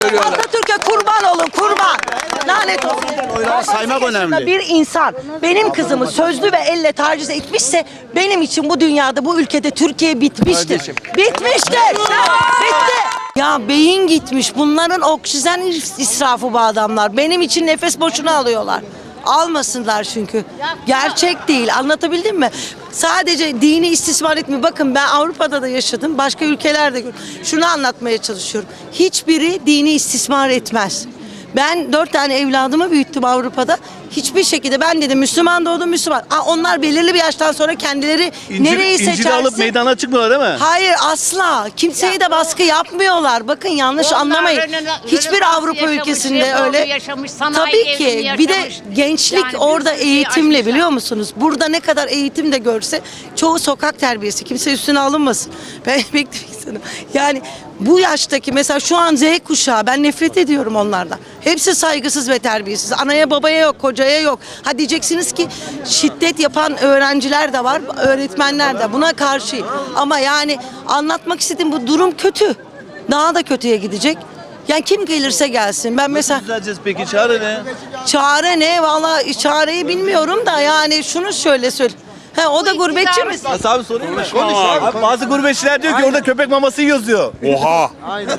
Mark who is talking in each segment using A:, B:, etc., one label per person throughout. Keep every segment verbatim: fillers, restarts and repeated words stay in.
A: Atatürk'e kurban olun, kurban. Lanet olsun.
B: Oyları saymak önemli.
A: Bir insan benim kızımı sözlü ve elle taciz etmişse benim için bu dünyada, bu ülkede Türkiye bitmiştir.
B: Kardeşim.
A: Bitmiştir. Bitti. Ya beyin gitmiş. Bunların oksijen israfı bu adamlar. Benim için nefes boşuna alıyorlar. Almasınlar çünkü. Gerçek değil. Anlatabildim mi? Sadece dini istismar etmiyor. Bakın ben Avrupa'da da yaşadım. Başka ülkelerde gördüm. Şunu anlatmaya çalışıyorum. Hiçbiri dini istismar etmez. Ben dört tane evladımı büyüttüm Avrupa'da. Hiçbir şekilde ben dedim Müslüman doğdum Müslüman. Aa, onlar belirli bir yaştan sonra kendileri
B: İncil,
A: nereyi
B: İncil'i
A: seçerse.
B: alıp meydana çıkmıyorlar değil mi?
A: Hayır asla. Kimseye de baskı yapmıyorlar. Bakın yanlış anlamayın. Hiçbir Avrupa ülkesinde öyle.
C: Yaşamış,
A: Tabii ki. Bir de gençlik
C: Yani bir
A: orada
C: sürü şeyi
A: eğitimle
C: aşmışlar.
A: biliyor musunuz? Burada ne kadar eğitim de görse çoğu sokak terbiyesi. Kimse üstüne alınmasın. Ben beklemek istedim. Yani bu yaştaki mesela şu an Z kuşağı ben nefret ediyorum onlardan. Hepsi saygısız ve terbiyesiz. Anaya babaya yok, kocaya yok. Ha diyeceksiniz ki şiddet yapan öğrenciler de var, öğretmenler de. Buna karşıyım. Ama yani anlatmak istediğim bu durum kötü. Daha da kötüye gidecek. Yani kim gelirse gelsin. Ben mesela
B: Düzeleceğiz peki, çare ne?
A: çare ne? Vallahi çareyi bilmiyorum da yani şunu şöyle söyle. He, o da gurbetçi mi?
B: Nasıl abi sorayım mı? Konuş abi. Bazı gurbetçiler diyor ki orada köpek maması yiyoruz diyor.
D: Oha.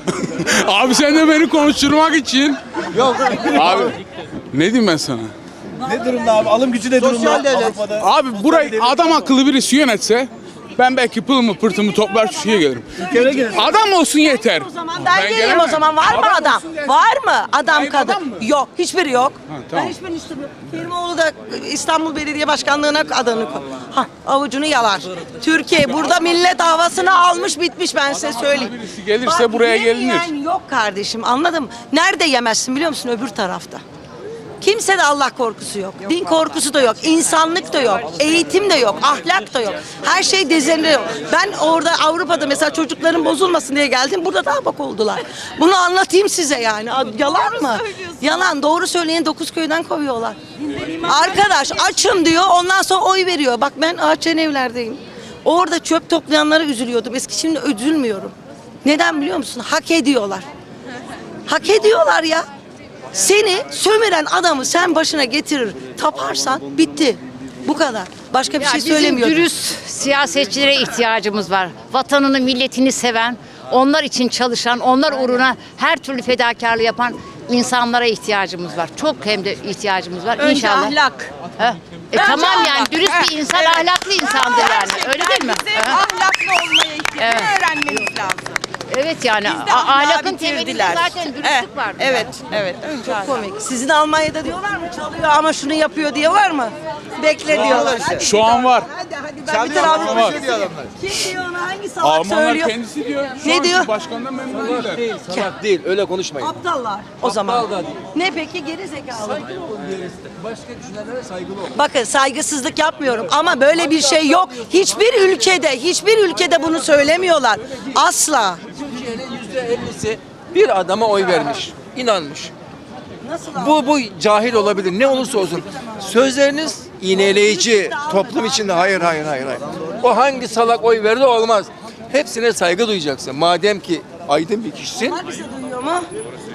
D: Abi sen de beni konuşturmak için.
B: Yok.
D: Abi ne diyeyim ben sana?
B: Ne durumda abi? Alım gücü ne durumda? Avrupa'da.
D: Abi burayı adam akıllı birisi yönetse ben belki pılımı pırtımı toplar Türkiye'ye gelirim.
B: Ülkene gidelim.
D: Adam olsun yeter.
A: O zaman ben, geleyim
D: gelemem.
A: o zaman. Var mı adam?
D: olsun yeter.
A: Var mı? Adam
D: Hayır,
A: kadın.
D: adam mı?
A: Yok. Hiçbiri yok.
D: tamam.
A: Ben hiçbirini istemiyorum. Kerimoğlu da İstanbul Belediye Başkanlığı'na adını koy. Ha, avucunu yalar. Türkiye burada millet havasını almış bitmiş ben size söyleyeyim.
D: Birisi gelirse buraya gelinir.
A: yemeyen yok kardeşim anladın mı? Nerede yemezsin biliyor musun? Öbür tarafta. Kimse de Allah korkusu yok. Din korkusu da yok. İnsanlık da yok. Eğitim de yok. Ahlak da yok. Her şey dezenliyor. Ben orada Avrupa'da mesela çocukların bozulmasın diye geldim. Burada daha bak oldular. Bunu anlatayım size yani. Yalan mı? Yalan. Doğru söyleyen dokuz köyden kovuyorlar. Arkadaş açım diyor. Ondan sonra oy veriyor. Bak ben Ağaççıyan evlerdeyim. Orada çöp toplayanlara üzülüyordum. Eski şimdi üzülmüyorum. Neden biliyor musun? Hak ediyorlar. Hak ediyorlar ya. Seni sömüren adamı sen başına getirir, taparsan bitti. Bu kadar. Başka bir
C: Ya
A: şey
C: bizim
A: söylemiyorum.
C: dürüst siyasetçilere ihtiyacımız var. Vatanını, milletini seven, onlar için çalışan, onlar uğruna her türlü fedakarlığı yapan insanlara ihtiyacımız var. Çok hem de ihtiyacımız var.
A: Önce
C: İnşallah.
A: ahlak.
C: Heh. E
A: Önce
C: tamam
A: ahlak.
C: yani dürüst bir insan
A: Evet.
C: ahlaklı insandır yani. Öyle değil mi?
E: Bizim
C: Heh.
E: ahlaklı olmaya ihtiyacı
C: Evet.
E: öğrenmemiz lazım.
C: Evet yani
E: Bizde
C: a-
E: ahlakı
C: ahlakın temelinde
E: bitirdiler.
C: zaten dürüstlük
E: Evet,
C: var.
E: evet, evet. Önce ahlak.
A: Komik. Sizin Almanya'da diyorlar mı çalıyor ama şunu yapıyor diye var mı? Bekle diyorlar. Hadi
D: Şu an var.
A: Hadi hadi ben bir tane Avrupa
D: var.
A: ülkesi- Kim diyor onu? Hangi salak
D: Almanlar
A: söylüyor?
D: kendisi diyor. Şu
A: Ne
D: anki
A: diyor?
D: Başkandan memnun değiller.
F: Salak değil, öyle konuşmayın.
A: Aptallar o zaman.
F: Aptal da değil.
A: Ne peki geri zekalı?
F: Başka düşünenlere saygılı ol.
A: Bakın saygısızlık yapmıyorum ama böyle bir şey yok. Hiçbir ülkede, hiçbir ülkede bunu söylemiyorlar. Asla.
F: Türkiye'nin yüzde ellisi bir adama oy vermiş, inanmış.
A: Nasıl
F: Bu bu cahil olabilir, ne olursa olsun. Sözleriniz iğneleyici, toplum içinde hayır hayır hayır hayır. O hangi salak oy verdi olmaz. Hepsine saygı duyacaksın. Madem ki aydın bir kişisin.
A: Hangisi duyuyor mu?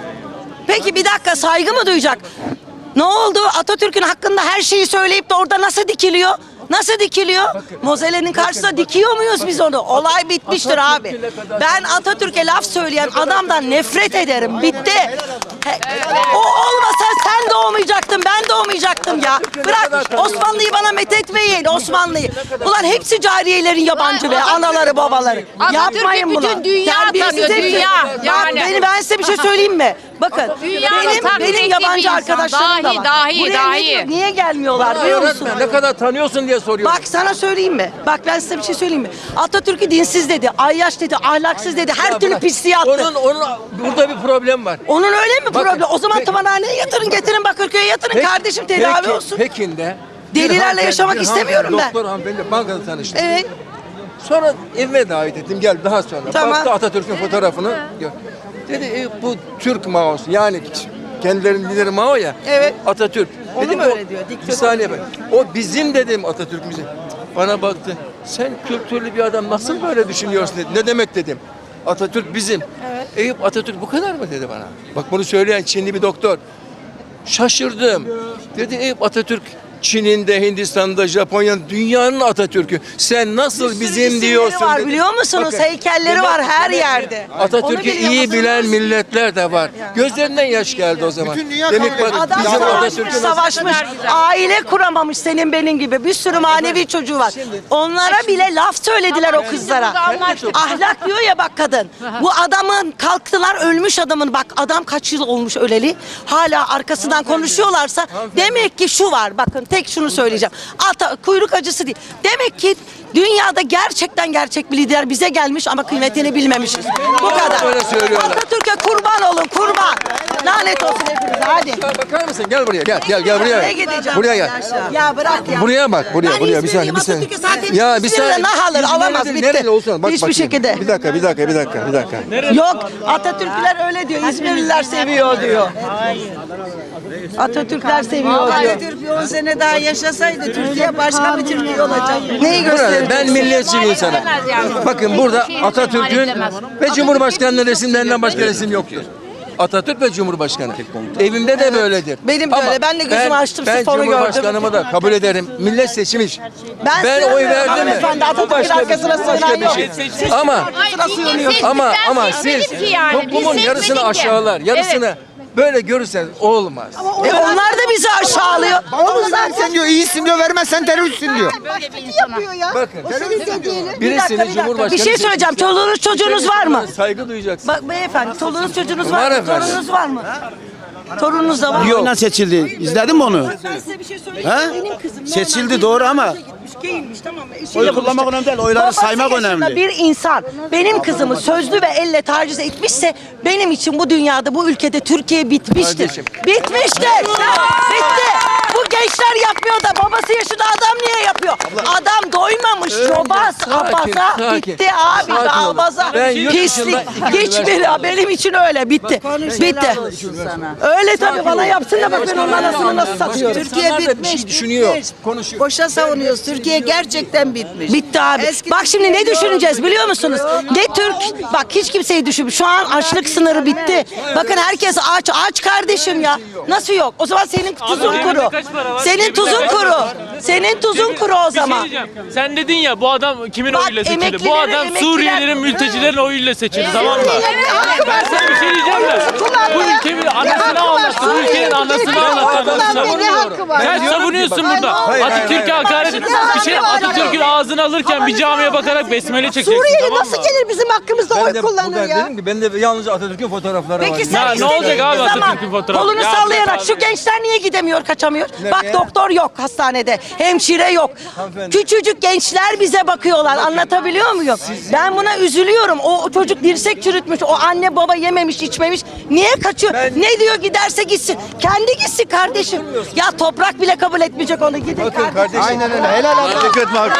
A: Peki bir dakika saygı mı duyacak? Ne oldu? Atatürk'ün hakkında her şeyi söyleyip de orada nasıl dikiliyor? Nasıl dikiliyor? Mozelle'nin karşısında dikiyor muyuz biz onu? Olay bitmiştir abi. Ben Atatürk'e laf söyleyen adamdan nefret ederim. Bitti. He, o olmasa sen doğmayacaktın, ben doğmayacaktım ya. Bırak Osmanlı'yı bana methetmeyin, Osmanlı'yı. Ulan hepsi cariyelerin yabancı be, anaları babaları.
C: Atatürk'ü
A: Yapmayın bunu.
C: bütün dünya
A: Terbiyesiz
C: tanıyor,
A: hepsi.
C: dünya.
A: Bak
C: Yani.
A: beni, ben size bir şey söyleyeyim mi? Bakın
C: Dünyanın
A: benim,
C: takdir
A: benim
C: ettiği
A: yabancı
C: bir insan.
A: arkadaşlarım da
C: Dahi,
A: var.
C: dahi,
A: Buraya
C: dahi.
A: ne diyor? Niye gelmiyorlar
F: Bana
A: biliyor musun?
F: öğretme, ne kadar tanıyorsun diye soruyor.
A: Bak sana söyleyeyim mi? Bak ben size bir şey söyleyeyim mi? Atatürk'ü dinsiz dedi, ayyaş dedi, ahlaksız dedi, her türlü pisliği attı.
F: Onun, onun burada bir problem var.
A: Onun öyle mi
F: Bakın,
A: problem? O zaman
F: peki-
A: tımarhaneye yatırın, getirin Bakırköy'e yatırın
F: Peki-
A: kardeşim tedavi
F: peki-
A: olsun.
F: Pekin'de
A: Delilerle
F: bir hanımefendi-
A: yaşamak
F: bir
A: istemiyorum
F: hanımefendi,
A: ben.
F: Doktor hanımefendi bankada tanıştım.
A: Evet.
F: Sonra evime davet ettim, gel daha sonra.
A: Tamam.
F: Baktı Atatürk'ün fotoğrafını. Gör. Dedi e, bu Türk Mao'su, yani kendilerinin lideri Mao ya.
A: Evet.
F: Atatürk.
A: Onu
F: Dedim,
A: mu
F: o-
A: öyle diyor, diktatör
F: Bir saniye bak. O bizim dedim Atatürk'ümüze. Bana baktı. Sen kültürlü bir adam nasıl böyle düşünüyorsun dedi. Ne demek dedim. Atatürk bizim. Eyüp Atatürk bu kadar mı dedi bana. Bak bunu söyleyen Çinli bir doktor. Şaşırdım. Dedi Eyüp Atatürk Çin'in de, Hindistan'da, Japonya'nın, dünyanın Atatürk'ü. Sen nasıl
A: sürü
F: bizim
A: isimleri
F: diyorsun
A: var,
F: dedi.
A: biliyor musunuz? Heykelleri var her yerde. Onu
F: Atatürk'ü
A: biliyor
F: iyi
A: musunuz?
F: bilen milletler de var. Gözlerinden yaş geldi o zaman.
G: Bütün dünya
F: Demek
G: kabul
F: bak,
G: ediyor.
A: Adam
F: bizim
A: savaşmış,
F: Atatürk'ü nasıl-
A: savaşmış. Aile kuramamış senin benim gibi. Bir sürü manevi çocuğu var. Onlara bile laf söylediler o kızlara. Ahlak diyor ya bak kadın. Bu adamın kalktılar ölmüş adamın. Bak adam kaç yıl olmuş öleli. Hala arkasından konuşuyorlarsa demek ki şu var. Bakın tek şunu söyleyeceğim. Ata, kuyruk acısı değil. Demek ki dünyada gerçekten gerçek bir lider bize gelmiş ama kıymetini bilmemişiz. Bu kadar.
F: Öyle söylüyorlar.
A: Atatürk'e kurban olun kurban. Lanet olsun hepinize hadi.
F: Ya bakar mısın? Gel buraya. Gel gel gel buraya.
A: Nereye gideceğim?
F: Buraya gel.
A: Ya bırak ya.
F: Buraya bak, buraya,
A: Ben
F: buraya. Bir saniye,
A: İzmirliyim,
F: bir saniye.
A: Atatürk'e zaten
F: Ya bir
A: İzmir'de
F: saniye.
A: nah alır,
F: İzmir'de
A: alamaz,
F: de
A: bitti.
F: nereli olsun? Bak
A: Hiçbir
F: bakayım.
A: şekilde.
F: Bir dakika, bir dakika, bir dakika, bir dakika.
A: Yok, Atatürkler öyle diyor, İzmirliler seviyor diyor. Atatürkler seviyor diyor.
E: Atatürk bir on sene daha yaşasaydı Türkiye başka bir Türkiye olacak.
A: Neyi
F: Burada
A: gösterecek?
F: ben milliyetçi bir insanım. Bakın burada Atatürk'ün ve Cumhurbaşkanı'nın resimlerinden başka resim yoktur. Atatürk ve Cumhurbaşkanı. Evimde de böyledir.
A: Benim de
F: Ama
A: öyle. Ben de gözümü açtım,
F: Ben
A: sifonu gördüm.
F: Cumhurbaşkanımı da kabul ederim. Millet seçmiş.
A: Ben
F: Ben oy
A: sığınıyorum
F: verdim mi?
A: hanımefendi,
F: Bu
A: Atatürk'ün
F: başka bir,
A: arkasına
F: bu başka
A: sığınan
F: bir
A: yok.
F: şey. Ama ama ama siz
C: seçmedik ki yani. Biz
F: toplumun yarısını
C: seçmedik ki.
F: aşağılar, yarısını
C: Evet.
F: böyle görürseniz olmaz.
A: E onlar da bizi aşağılıyor.
G: Onu versen diyor, iyisin diyor, vermezsen teröristsin diyor.
C: Böyle bir insana.
F: Bakın
A: Bir
F: birisini
A: dakika, bir dakika.
F: Cumhurbaşkanı
A: Bir şey söyleyeceğim. Çoluğunuz çocuğunuz var mı?
F: Saygı duyacaksın.
A: Bak beyefendi, çoluğunuz çocuğunuz
F: Var
A: var mı?
F: efendim.
A: Torununuz var mı? Torununuz da var mı?
H: Oyla seçildi. İzledin mi onu?
A: Ben size bir şey söyleyeyim.
H: He?
A: Benim kızım
H: Seçildi,
A: normal
H: doğru
A: bir
H: ama-
A: işe gitmiş, giyinmiş, tamam mı? Eşiyle
H: Oy kullanmak
A: buluşacak.
H: önemli değil, oyları
A: Babası
H: saymak
A: yaşında
H: önemli.
A: bir insan benim kızımı sözlü ve elle taciz etmişse benim için bu dünyada, bu ülkede Türkiye bitmiştir.
F: Kardeşim.
A: Bitmiştir. Bitti. Bu gençler yapmıyor da babası yaşında adam niye yapıyor? Adam doymamış. Yobaz,
F: sakin,
A: abaza.
F: sakin.
A: Bitti abi.
F: Sakin
A: Daha
F: olun.
A: abaza.
F: Ben yurt
A: Pislik.
F: dışında-
A: Hiçbir benim için öyle. Bitti. Bitti. Öyle tabii bana yapsın da bak ben onun anasını nasıl satıyorum.
E: Türkiye
F: İnsanlar da bir
E: bitmiş,
F: şey düşünüyor,
E: bitmiş.
F: konuşuyor.
E: Boşa savunuyoruz. Türkiye gerçekten bitmiş.
A: Bitti abi.
E: Eski
A: Bak şimdi ne
E: Türkiye yok.
A: düşüneceğiz biliyor musunuz? Ne Türk, bak hiç kimseyi düşün. Şu an açlık sınırı bitti. Bakın herkes aç, aç kardeşim ya. Nasıl yok? O zaman senin tuzun kuru. Senin tuzun kuru. Senin tuzun kuru o
I: Bir şey
A: zaman.
I: diyeceğim. Sen dedin ya bu adam kimin
A: Bak,
I: oyuyla seçildi? Bu
A: emeklileri,
I: adam
A: emekliler-
I: Suriyelilerin, mültecilerin oyuyla seçildi tamam mı? Ben sana bir şey diyeceğim de bu ülkenin anasını ağlattı. Bu ülkenin anasını ağlattı. anasını. Sen savunuyorsun burada. Atatürk'e hakaret et. Bir şey Atatürk'ün ağzını alırken bir camiye bakarak besmele çekeceksin
A: Suriyeli
I: tamam
A: nasıl
I: mı?
A: gelir bizim hakkımızda oy kullanır ya?
F: dedim ki ben de yalnızca Atatürk'ün fotoğrafları var.
A: Peki sen
I: Ya ne
A: istediğin
I: olacak abi
A: zaman
I: Atatürk'ün fotoğrafı?
A: kolunu
I: Ya
A: sallayarak
I: bırak
A: şu
I: abi.
A: gençler niye gidemiyor, kaçamıyor?
F: Nereye?
A: Bak doktor yok hastanede, hemşire yok.
F: Hanımefendi.
A: Küçücük gençler bize bakıyorlar. Anlatabiliyor muyum? Ben buna üzülüyorum. O, o çocuk dirsek çürütmüş, o anne baba yememiş, içmemiş. Niye kaçıyor? Ne diyor giderse gitsin. Kendi gitsin kardeşim. Ya toprak bile kabul etmeyecek onu. Gidin
F: Bakın
A: kardeşim.
F: kardeşim.
G: Aynen öyle, helal olsun.
B: Teşekkür ederim abi.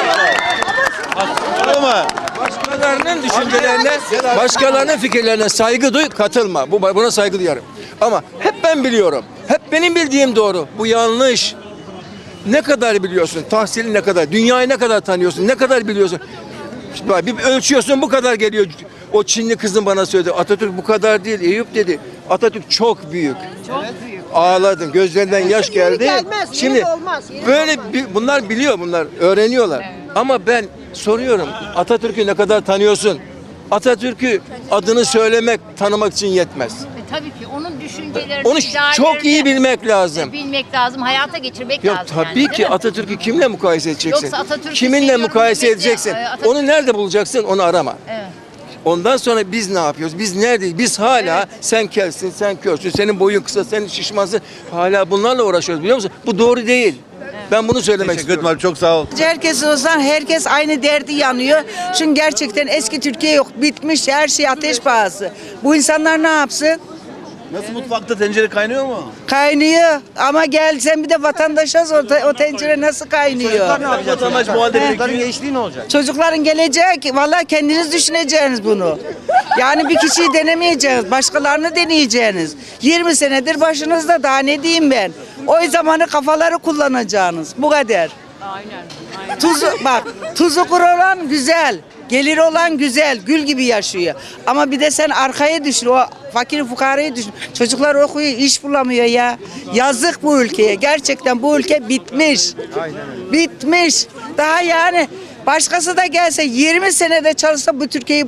B: Ama
F: Başkalarının düşüncelerine, başkalarının fikirlerine saygı duy, katılma. Bu buna saygı duyarım. Ama hep ben biliyorum. Hep benim bildiğim doğru. Bu yanlış. Ne kadar biliyorsun? Tahsili ne kadar? Dünyayı ne kadar tanıyorsun? Ne kadar biliyorsun? Şimdi bak, bir ölçüyorsun bu kadar geliyor. O Çinli kızın bana söyledi. Atatürk bu kadar değil. Eyüp dedi. Atatürk çok büyük. Çok büyük. Ağladım. Gözlerinden yaş geldi.
A: gelmez,
F: Şimdi
A: yeri olmaz, yeri
F: böyle bi- bunlar biliyor, bunlar öğreniyorlar. Ama ben soruyorum. Atatürk'ü ne kadar tanıyorsun? Atatürk'ü adını söylemek, tanımak için yetmez.
C: E, tabii ki onun düşüncelerini,
F: Onu çok iyi bilmek lazım.
C: bilmek lazım, hayata geçirmek
F: Yok
C: lazım.
F: tabii
C: yani, değil
F: ki
C: mi?
F: Atatürk'ü kimle mukayese edeceksin?
C: Yoksa Atatürk'ü
F: Kiminle
C: seviyorum
F: mukayese
C: demekle,
F: edeceksin?
C: e, Atatürk-
F: Onu nerede bulacaksın? Onu arama.
C: Evet.
F: Ondan sonra biz ne yapıyoruz? Biz neredeyiz? Biz hala sen kelsin, sen körsün, senin boyun kısa, sen şişmansın. Hala bunlarla uğraşıyoruz biliyor musun? Bu doğru değil. Ben bunu söylemek
B: teşekkür ederim
F: istiyorum.
B: abi, çok sağ ol.
E: Herkes olsan herkes aynı derdi yanıyor. Çünkü gerçekten eski Türkiye yok. Bitmiş her şey ateş pahası. Bu insanlar ne yapsın?
B: Nasıl mutfakta tencere kaynıyor mu?
E: Kaynıyor. Ama gel sen bir de vatandaşız o, te- o tencere nasıl kaynıyor?
B: Vatandaş bu halde
G: Çocukların
B: bekliyor.
G: gençliği ne olacak?
E: Çocukların gelecek. Vallahi kendiniz düşüneceksiniz bunu. Yani bir kişiyi denemeyeceksiniz. Başkalarını deneyeceksiniz. yirmi senedir başınızda daha ne diyeyim ben. O zamanı kafaları kullanacaksınız. Bu kadar. Aynen. Tuzu, bak tuzu kuru olan güzel. Geliri olan güzel, gül gibi yaşıyor. Ama bir de sen arkaya düşün, o fakir fukarayı düşün. Çocuklar okuyor, iş bulamıyor ya. Yazık bu ülkeye. Gerçekten bu ülke bitmiş. Bitmiş. Daha yani başkası da gelse yirmi senede çalışsa bu Türkiye'yi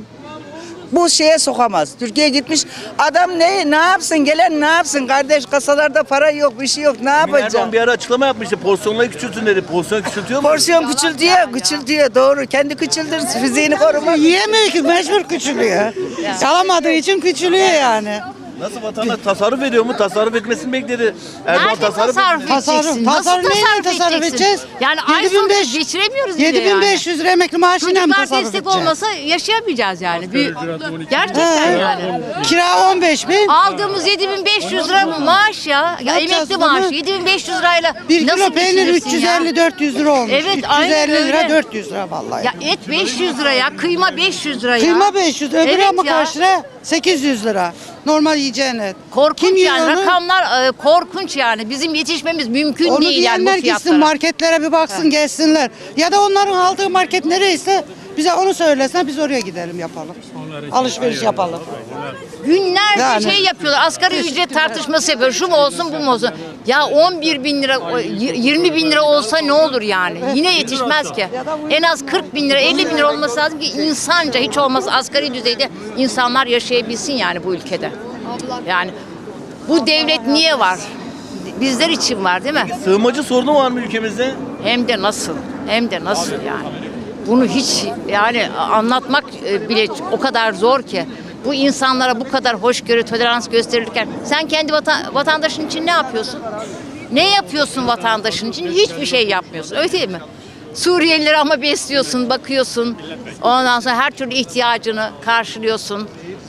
E: bu şeye sokamaz. Türkiye gitmiş. Adam ne ne yapsın? Gelen ne yapsın? Kardeş kasalarda para yok, bir şey yok. Ne yapacak?
B: Erdoğan bir ara açıklama yapmıştı. Porsiyonları küçültün dedi. Porsiyon küçültüyor mu?
E: Porsiyon küçültüyor, küçültüyor. Doğru. Kendi küçüldür, fiziğini korumak.
J: Yiyemiyor ki, mecbur küçülüyor. Çalamadığı için küçülüyor yani.
B: Nasıl vatandaş tasarruf ediyor mu? Tasarruf etmesini bekledi. Erdoğan
C: Nerede
B: tasarruf
C: tasarruf
B: etmedi.
J: Tasarruf-
C: edeceksin?
J: tasarruf
C: Nasıl
J: neyle
C: tasarruf,
J: tasarruf
C: edeceksin?
J: edeceğiz?
C: Yani ay
J: yedi bin
C: sonu
J: beş-
C: geçiremiyoruz bile
J: yedi bin beş yüz
C: yani.
J: lira emekli maaşıyla mı
C: Çocuklar
J: tasarruf
C: destek
J: edeceğiz?
C: olmasa yaşayamayacağız yani. Bir, gerçekten
J: He.
C: yani.
J: Kira on beş bin.
C: Aldığımız yedi bin beş yüz lira mı maaş ya? Ya
J: yapacağız
C: emekli
J: bunu?
C: maaşı yedi bin beş yüz lirayla
J: Bir
C: nasıl
J: kilo peynir
C: geçinirsin
J: üç yüz
C: ya?
J: elli dört yüz lira olmuş.
C: Evet, aynen
J: üç yüz elli lira
C: öyle.
J: dört yüz lira vallahi.
C: Ya et beş yüz lira ya, kıyma beş yüz lira ya.
J: Kıyma beş yüz, öbürü
C: Evet
J: ama
C: ya.
J: kaç lira? sekiz yüz lira. Normal yiyeceğin et.
C: Korkunç
J: Kim yiyor
C: yani
J: onu?
C: rakamlar e, korkunç yani. Bizim yetişmemiz mümkün
J: Onu
C: değil yani bu
J: diyenler gitsin
C: fiyatlara.
J: marketlere bir baksın, gezsinler. Ya da onların aldığı market nereyse bize onu söylesin, biz oraya gidelim yapalım. Alışveriş yapalım.
C: Günlerce
J: Yani.
C: şey yapıyorlar. Asgari ücret tartışması yapıyor. Şu mu olsun bu mu olsun. Ya on bir bin lira, o y- yirmi bin lira olsa ne olur yani? Yine yetişmez ki. En az kırk bin lira, elli bin lira olması lazım ki insanca hiç olmazsa asgari düzeyde insanlar yaşayabilsin yani bu ülkede. Yani bu devlet niye var? Bizler için var değil mi?
B: Sığınmacı sorunu var mı ülkemizde?
C: Hem de nasıl? Hem de nasıl yani? Bunu hiç yani anlatmak e, bile o kadar zor ki. Bu insanlara bu kadar hoşgörü, tolerans gösterirken sen kendi vatan, vatandaşın için ne yapıyorsun? Ne yapıyorsun vatandaşın için? Hiçbir şey yapmıyorsun. Öyle değil mi? Suriyelileri ama besliyorsun, bakıyorsun. Ondan sonra her türlü ihtiyacını karşılıyorsun.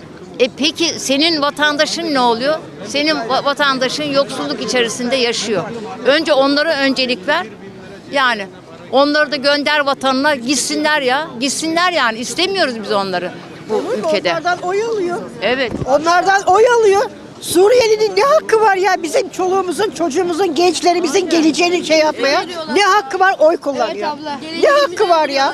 C: E peki senin vatandaşın ne oluyor? Senin va- vatandaşın yoksulluk içerisinde yaşıyor. Önce onlara öncelik ver. Yani onları da gönder vatanına, gitsinler ya. Gitsinler yani. İstemiyoruz biz onları bu ülkede.
K: Onlardan oy alıyor.
C: Evet.
K: Onlardan oy alıyor. Suriyelinin ne hakkı var ya bizim çoluğumuzun, çocuğumuzun, gençlerimizin geleceğini şey yapmaya? Ne hakkı var oy kullanıyor? Ne hakkı var ya?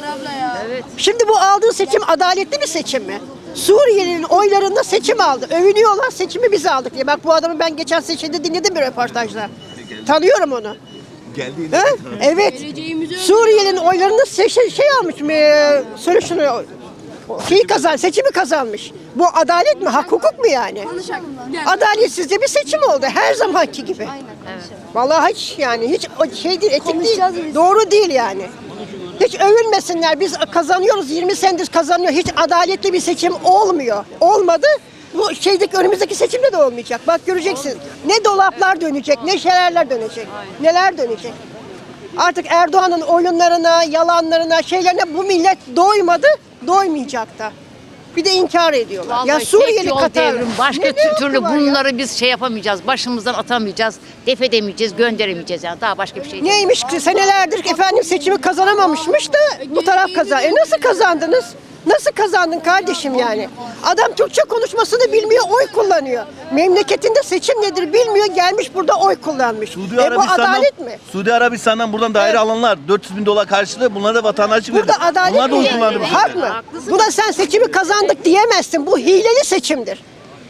K: Şimdi bu aldığı seçim adaletli bir seçim mi? Suriyelinin oylarında seçim aldı. Övünüyorlar seçimi biz aldık diye. Bak bu adamı ben geçen seçimde dinledim bir röportajda. Tanıyorum onu.
B: Geldi.
K: Ha? Evet. Suriyelinin oylarında şey, şey, şey almış mı? Ee, Söyle şunu. Şeyi kazan, seçimi kazanmış. Bu adalet mi? Hak hukuk mu yani? Adaletsizce bir seçim oldu. Her zamanki gibi. Vallahi hiç yani hiç o şey değil, etik değil. Doğru değil yani. Hiç övünmesinler. Biz kazanıyoruz. yirmi senedir kazanıyor. Hiç adaletli bir seçim olmuyor. Olmadı. Bu şeydeki önümüzdeki seçimde de olmayacak. Bak göreceksin. Ne dolaplar dönecek, ne şeylerler dönecek. Neler dönecek. Artık Erdoğan'ın oyunlarına, yalanlarına, şeylerine bu millet doymadı, doymayacak da. Bir de inkar ediyorlar.
C: Vallahi
K: ya
C: tek
K: Suriyeli
C: yol
K: Katar.
C: devrim. Başka
K: Ne- ne hakkı
C: türlü
K: var ya?
C: bunları biz şey yapamayacağız. Başımızdan atamayacağız. Def edemeyeceğiz, gönderemeyeceğiz yani. Daha başka bir şey değil.
K: Neymiş ki senelerdir efendim seçimi kazanamamışmış da bu taraf kazan. E nasıl kazandınız? Nasıl kazandın kardeşim yani? Adam Türkçe konuşmasını bilmiyor, oy kullanıyor. Memleketinde seçim nedir bilmiyor, gelmiş burada oy kullanmış.
B: Suudi
K: E bu
B: Arabistan'dan,
K: adalet mi?
B: Suudi Arabistan'dan buradan daire
K: Evet.
B: alanlar dört yüz bin dolar karşılığı bunlara da vatandaşlık
K: Burada
B: verdi.
K: adalet
B: Bunlar da
K: mi?
B: oy kullandı bu
K: Hak
B: şekilde.
K: mı? Buna sen seçimi kazandık diyemezsin. Bu hileli seçimdir.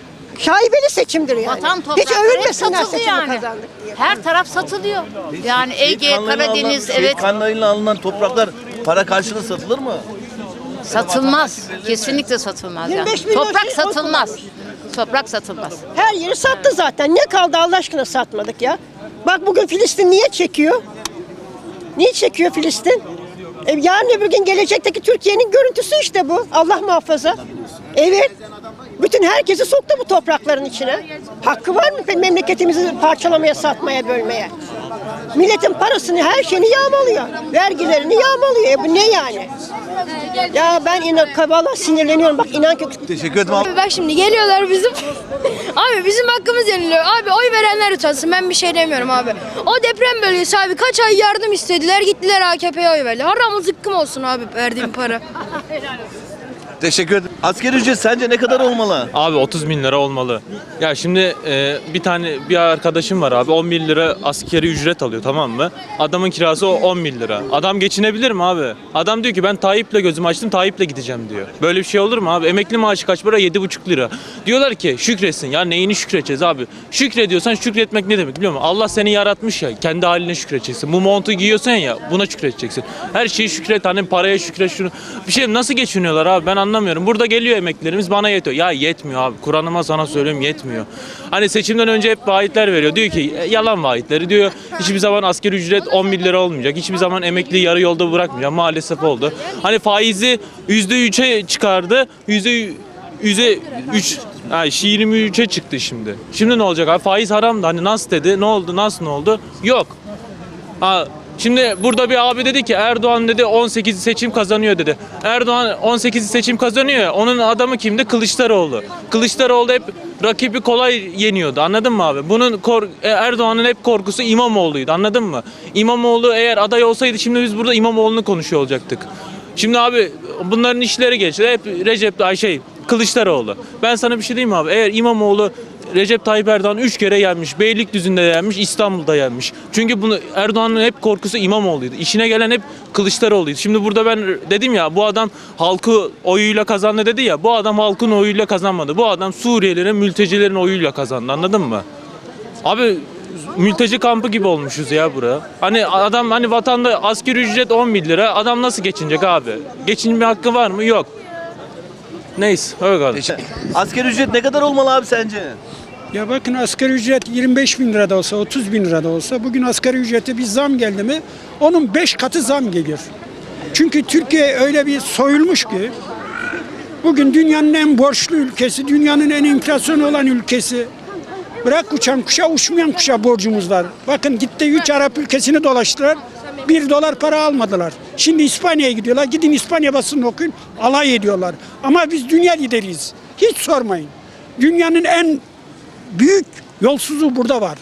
K: Şaibeli seçimdir yani.
C: Vatan
K: Hiç
C: toprakları hep
K: övünmesinler
C: satıldı
K: seçimi
C: yani.
K: kazandık diye.
C: Her taraf satılıyor. Yani
B: Şehit
C: Ege,
B: kanlarıyla
C: Karadeniz,
B: alınan,
C: evet
B: Şehit kanlarıyla alınan topraklar para karşılığı satılır mı?
C: satılmaz. Kesinlikle satılmaz
K: yirmi
C: yani.
K: beş milyon
C: Toprak
K: şey
C: satılmaz. Toprak satılmaz.
K: Her yeri sattı zaten. Ne kaldı Allah aşkına satmadık ya. Bak bugün Filistin niye çekiyor? Niye çekiyor Filistin? E yarın öbür gün gelecekteki Türkiye'nin görüntüsü işte bu. Allah muhafaza. Evet. Bütün herkesi soktu bu toprakların içine. Hakkı var mı memleketimizi parçalamaya, satmaya, bölmeye? Milletin parasını, her şeyini yağmalıyor. Vergilerini yağmalıyor. E bu ne yani? Ya ben inan, valla sinirleniyorum. Bak inan ki
B: Teşekkür ederim abi.
L: Bak şimdi geliyorlar bizim. Abi bizim hakkımız yeniliyor. Abi oy verenler utansın. Ben bir şey demiyorum abi. O deprem bölgesi abi kaç ay yardım istediler. Gittiler A K P'ye oy verdi. Haram zıkkım olsun abi verdiğim para.
B: Teşekkür ederim. Asgari ücret sence ne kadar olmalı?
I: Abi otuz bin lira olmalı. Ya şimdi e, bir tane bir arkadaşım var abi, on bin lira askeri ücret alıyor, tamam mı? Adamın kirası o on bin lira. Adam geçinebilir mi abi? Adam diyor ki ben Tayyip'le gözümü açtım, Tayyip'le gideceğim diyor. Böyle bir şey olur mu abi? Emekli maaşı kaç para? yedi buçuk lira. Diyorlar ki şükretsin. Ya neyini şükredeceğiz abi? Şükrediyorsan şükretmek ne demek biliyor musun? Allah seni yaratmış ya, kendi haline şükredeceksin. Bu montu giyiyorsan ya, buna şükredeceksin. Her şeyi şükret, hani paraya şükret, şunu. Bir şey nasıl geçiniyorlar abi, ben anlamıyorum. Burada geliyor emeklilerimiz, bana yetiyor. Ya yetmiyor abi. Kur'an'ıma sana söylüyorum, yetmiyor. Hani seçimden önce hep vaatler veriyor. Diyor ki e, yalan vaatleri diyor. Hiçbir zaman asgari ücret on bin lira olmayacak. Hiçbir zaman emekliyi yarı yolda bırakmayacak. Maalesef oldu. Hani faizi yüzde üçe çıkardı. Yüzde yüzde üç, yani yirmi üçe çıktı şimdi. Şimdi ne olacak abi? Faiz haram da, hani nasıl dedi? Ne oldu? Nasıl ne oldu? Yok. Ha, şimdi burada bir abi dedi ki Erdoğan dedi on sekiz seçim kazanıyor dedi. Erdoğan on sekiz seçim kazanıyor ya, onun adamı kimdi? Kılıçdaroğlu. Kılıçdaroğlu hep rakibi kolay yeniyordu, anladın mı abi? Bunun kor- Erdoğan'ın hep korkusu İmamoğlu'ydu, anladın mı? İmamoğlu eğer aday olsaydı şimdi biz burada İmamoğlu'nu konuşuyor olacaktık. Şimdi abi bunların işleri geçti. Hep Recep ay şey Kılıçdaroğlu. Ben sana bir şey diyeyim mi abi? Eğer İmamoğlu Recep Tayyip Erdoğan üç kere yenmiş. Beylikdüzü'nde yenmiş, İstanbul'da yenmiş. Çünkü bunu Erdoğan'ın hep korkusu İmamoğlu'ydu. İşine gelen hep Kılıçdaroğlu'ydu. Şimdi burada ben dedim ya, bu adam halkı oyuyla kazandı dedi ya. Bu adam halkın oyuyla kazanmadı. Bu adam Suriyelilerin, mültecilerin oyuyla kazandı. Anladın mı? Abi mülteci kampı gibi olmuşuz ya bura. Hani adam, hani vatanda asgari ücret on bin lira. Adam nasıl geçinecek abi? Geçinme hakkı var mı? Yok. Neyse öyle kaldı.
B: Asgari ücret ne kadar olmalı abi sence?
J: Ya bakın, asgari ücret yirmi beş bin lira da olsa, otuz bin lira da olsa, bugün asgari ücrete bir zam geldi mi onun beş katı zam geliyor. Çünkü Türkiye öyle bir soyulmuş ki bugün dünyanın en borçlu ülkesi, dünyanın en enflasyon olan ülkesi. Bırak uçan kuşa, uçmayan kuşa borcumuz var. Bakın gitti üç Arap ülkesini dolaştılar. Bir dolar para almadılar. Şimdi İspanya'ya gidiyorlar. Gidin İspanya basını okuyun. Alay ediyorlar. Ama biz dünya lideriyiz. Hiç sormayın. Dünyanın en büyük yolsuzluğu burada var.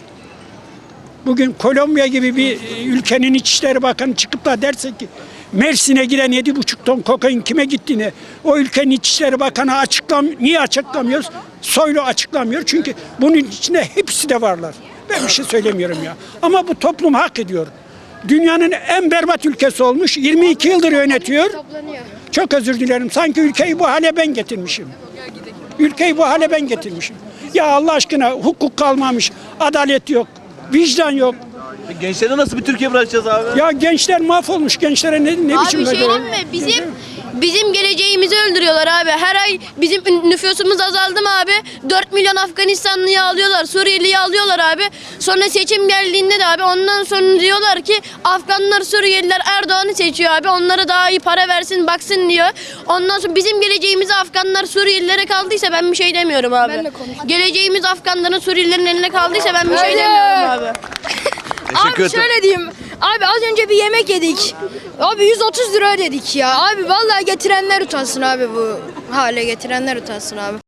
J: Bugün Kolombiya gibi bir ülkenin İçişleri Bakanı çıkıp da derse ki Mersin'e giden yedi buçuk ton kokain kime gittiğini o ülkenin İçişleri Bakanı açıklam niye açıklamıyoruz? Soylu açıklamıyor. Çünkü bunun içinde hepsi de varlar. Ben bir şey söylemiyorum ya. Ama bu toplum hak ediyor. Dünyanın en berbat ülkesi olmuş. yirmi iki yıldır yönetiyor. Çok özür dilerim. Sanki ülkeyi bu hale ben getirmişim. Ülkeyi bu hale ben getirmişim. Ya Allah aşkına hukuk kalmamış. Adalet yok. Vicdan yok.
B: Gençlere nasıl bir Türkiye bırakacağız abi?
J: Ya gençler mahvolmuş. Gençlere ne, ne
L: Abi
J: biçim
L: bir şey
J: böyle-
L: diyeyim mi? Bizim bizim geleceğimizi öldürüyorlar abi. Her ay bizim nüfusumuz azaldı mı abi? dört milyon Afganistanlıyı alıyorlar, Suriyeliyi alıyorlar abi. Sonra seçim geldiğinde de abi ondan sonra diyorlar ki Afganlar, Suriyeliler Erdoğan'ı seçiyor abi. Onlara daha iyi para versin, baksın diyor. Ondan sonra bizim geleceğimizi Afganlar, Suriyelilere kaldıysa ben bir şey demiyorum abi. Geleceğimiz Afganların, Suriyelilerin eline kaldıysa ben bir şey demiyorum abi.
B: Teşekkür
L: Abi
B: ederim.
L: şöyle diyeyim. Abi az önce bir yemek yedik. Abi yüz otuz lira ödedik ya. Abi vallahi getirenler utansın abi bu hale getirenler utansın abi.